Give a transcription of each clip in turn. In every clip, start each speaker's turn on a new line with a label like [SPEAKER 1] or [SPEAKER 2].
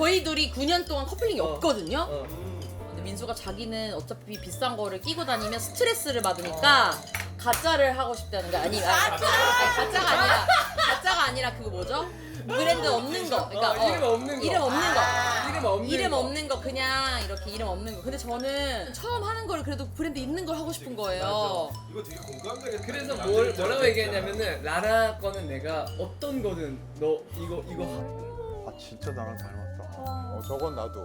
[SPEAKER 1] 저희 둘이 9년 동안 커플링이 없거든요. 근데 민수가 자기는 어차피 비싼 거를 끼고 다니면 스트레스를 받으니까 가짜를 하고 싶다는 거 가짜가 아니라 그거 뭐죠? 브랜드 없는 거. 그러니까
[SPEAKER 2] 이름 없는 거.
[SPEAKER 1] 이름 없는 거 그냥 이렇게 이름 없는 거. 근데 저는 처음 하는 거를 그래도 브랜드 있는 걸 하고 싶은 거예요.
[SPEAKER 3] 이거 되게 공감되겠다.
[SPEAKER 2] 그래서 뭐라고 얘기했냐면은 라라 거는 내가 어떤 거든 너 이거
[SPEAKER 4] 아 진짜 나랑 닮았다. 저건 나도.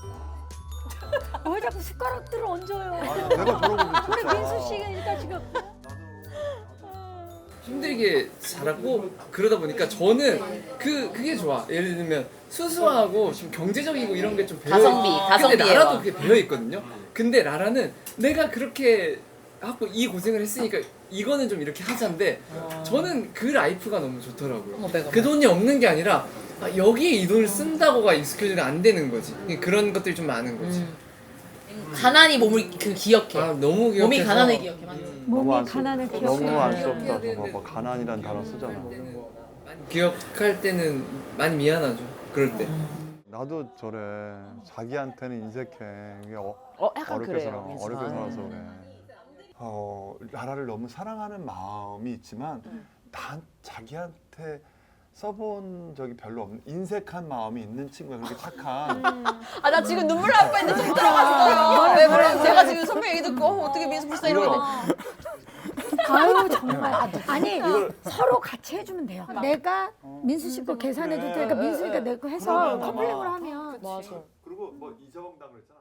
[SPEAKER 5] 왜 자꾸 숟가락들을 얹어요?
[SPEAKER 4] 아니, 내가 들어보면 진짜.
[SPEAKER 5] 우리 민수 씨가 지금
[SPEAKER 2] 힘들게 자랐고 그러다 보니까 저는 그게 좋아. 예를 들면 수수하고 좀 경제적이고 이런 게 좀
[SPEAKER 1] 가성비예요.
[SPEAKER 2] 근데 라라도 그게 배어 있거든요. 근데 라라는 내가 그렇게 하고 이 고생을 했으니까 이거는 좀 이렇게 하자인데 저는 그 라이프가 너무 좋더라고요. 그 돈이 없는 게 아니라 여기에 이 돈을 쓴다고가 익숙해지면 안 되는 거지. 그런 것들이 좀 많은 거지.
[SPEAKER 1] 가난이 몸을 기억해.
[SPEAKER 2] 아 너무 기억해서
[SPEAKER 1] 몸이 가난을 기억해. 맞아.
[SPEAKER 5] 몸이 가난을
[SPEAKER 4] 너무
[SPEAKER 5] 기억해.
[SPEAKER 4] 안쓰럽다. 저거 뭐 가난이란 단어 쓰잖아.
[SPEAKER 2] 많이 기억할 때는 많이 미안하죠. 그럴 때.
[SPEAKER 4] 나도 저래. 자기한테는 인색해. 이게
[SPEAKER 1] 약간
[SPEAKER 4] 어렵게
[SPEAKER 1] 그래요.
[SPEAKER 4] 살아. 어렵게 살아서 그래. 라라를 너무 사랑하는 마음이 있지만 난 자기한테 써본 적이 별로 없는 인색한 마음이 있는 친구야. 그렇게 착한.
[SPEAKER 1] 아 나 지금 눈물 날 뻔했는데 좀 들어갔어요. 왜 그래? 제가 지금 선배 얘기 듣고 어떻게 민수 불쌍 이러고
[SPEAKER 5] 아유 정말. 아니 서로 같이 해주면 돼요. 내가 민수 씨 거 계산해줄 테니까 민수가 내 거 해서 커플링으로 하면.
[SPEAKER 1] 맞아.
[SPEAKER 4] 그리고 뭐 이재범 당그랬잖아.